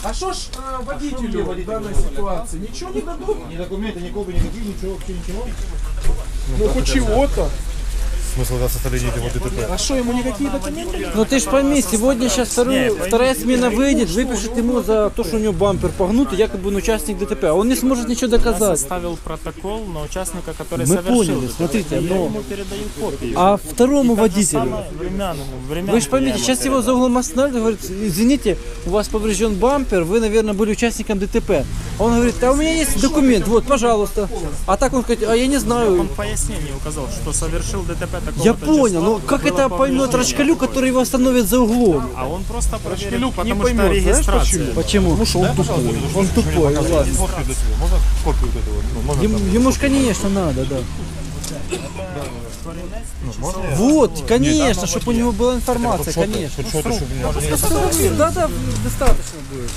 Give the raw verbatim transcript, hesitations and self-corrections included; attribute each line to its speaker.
Speaker 1: А что ж э, водителю в данной ситуации? Ничего не дадут?
Speaker 2: Ни документы, ни копии, никаких, ничего, вообще ничего.
Speaker 1: Ну хоть чего-то.
Speaker 3: Смысл да, составления этого ДТП.
Speaker 1: А что, ему никакие документы не дадут?
Speaker 4: Ну ты ж пойми, сегодня сейчас вторую, вторая смена выйдет, выпишет ему за то, что у него бампер погнут, и якобы он участник ДТП. А он не сможет ничего
Speaker 5: Я
Speaker 4: доказать.
Speaker 5: составил протокол на участника, который
Speaker 4: Мы
Speaker 5: совершил
Speaker 4: поняли,
Speaker 5: ДТП.
Speaker 4: смотрите,
Speaker 5: Я
Speaker 4: но-
Speaker 5: ему передаю копию.
Speaker 4: А второму водителю?
Speaker 5: Самое временному, временному
Speaker 4: Вы же поймите,
Speaker 5: я ему
Speaker 4: сейчас его
Speaker 5: передам.
Speaker 4: за углом останавливают, говорит, извините, у вас поврежден бампер, вы, наверное, были участником ДТП. А он говорит, а у меня есть документ, вот, пожалуйста. А так он говорит, а я не знаю.
Speaker 5: Он в пояснении указал, что совершил ДТП такого.
Speaker 4: Я понял, но как это поймет Рачкалю, который его остановит за углом?
Speaker 5: А он просто проверил,
Speaker 1: не
Speaker 5: потому
Speaker 1: поймет,
Speaker 5: что
Speaker 1: знаешь
Speaker 5: регистрация.
Speaker 4: Почему? Потому что он тупой. Он тупой, ладно.
Speaker 3: Копию до сего. Можно копию вот этого? Ну, можно
Speaker 4: Ему,
Speaker 3: там.
Speaker 4: ему ж, конечно, надо, да.
Speaker 3: Ну, можно я?
Speaker 4: Вот, конечно, чтобы у него была информация, конечно.
Speaker 3: Хоть что-то, чтобы у меня-
Speaker 4: Да, да, достаточно будет.